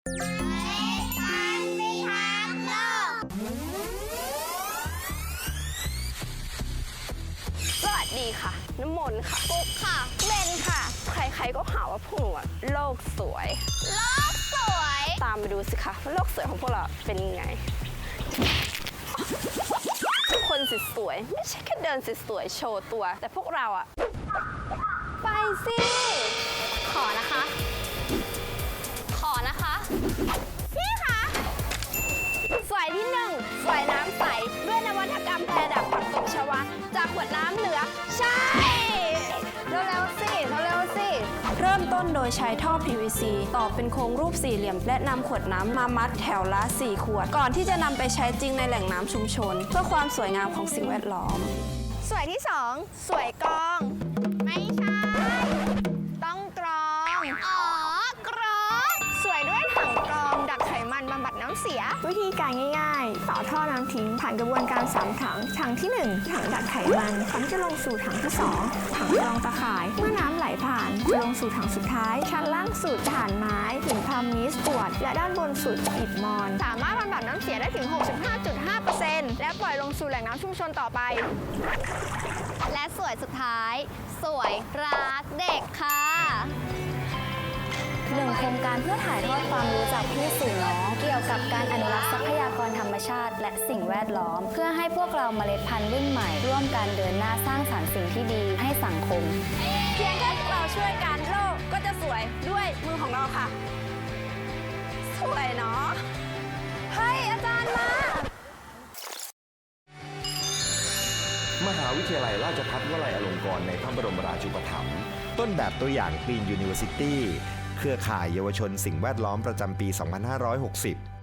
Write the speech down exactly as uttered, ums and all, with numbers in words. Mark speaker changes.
Speaker 1: สวัสดีค่ะน้ำมนต์ค่ะปุ๊กค่ะเบนค่ะ ใครๆก็หาว่าพวกหนูอะโลกสวยโลกสวยตามมาดูสิคะว่าโลกสวยของพวกเราเป็นยังไงคนสวยๆไม่ใช่แค่เดินสวยๆโชว์ตัวแต่พวกเราอะไปสิขอนะคะ ขอนะคะพี่คะสวยที่หนึ่งสวยน้ำใสด้วยนวัตกรรมแพรดักผักตบชวาจากขวดน้ำเหลืองใช่เร็วๆสิเร็วๆสิเริ่มต้นโดยใช้ท่อ พี วี ซี ต่อเป็นโครงรูปสี่เหลี่ยมและนำขวดน้ำมามัดแถวละสี่ขวดก่อนที่จะนำไปใช้จริงในแหล่งน้ำชุมชนเพื่อความสวยงามของสิ่งแวดล้อมสวยที่สองสวยกรองไม่ใช่ต้องกรองอ๋อกรองสวยด้วยถังกรองดักไขมันบำบัดน้ำเสียวิธีการง่ายๆต่อท่อน้ำทิ้งผ่านกระบวนการสามถังถังที่หนึ่งถังดักไขมันก่อนที่จะลงสู่ถังที่สองถังรองตะข่ายเมื่อน้ำไหลผ่านจะลงสู่ถังสุดท้ายชั้นล่างสุดฐานไม้หินพามิสปวดและด้านบนสุดอิฐมอนสามารถบำบัดน้ำเสียได้ถึง หกสิบห้าจุดห้าเปอร์เซ็นต์ และปล่อยลงสู่แหล่งน้ำชุมชนต่อไปและสวยสุดท้ายสวยรักเด็กค่ะ
Speaker 2: หนึ่งโครงการเพื่อถ่ายทอดความรู้จากพี่สู่น้องเกี่ยวกับการอนุรักษ์ทรัพยากรธรรมชาติและสิ่งแวดล้อมเพื่อให้พวกเราเมล็ดพันธุ์รุ่นใหม่ร่วมกันเดินหน้าสร้างสรรค์สิ่งที่ดีให้สังคม
Speaker 1: เพียงแค่พวกเราช่วยกันโลกก็จะสวยด้วยมือของเราค่ะสวยเนาะเฮ้ยอาจารย์ม
Speaker 3: ามหาวิทยาลัยราชภัฏวลัยอลงกรณ์ในพระบรมราชูปถัมภ์
Speaker 4: ต้นแบบตัวอย่าง Green University เครือข่ายเยาวชนสิ่งแวดล้อมประจำปี สองพันห้าร้อยหกสิบ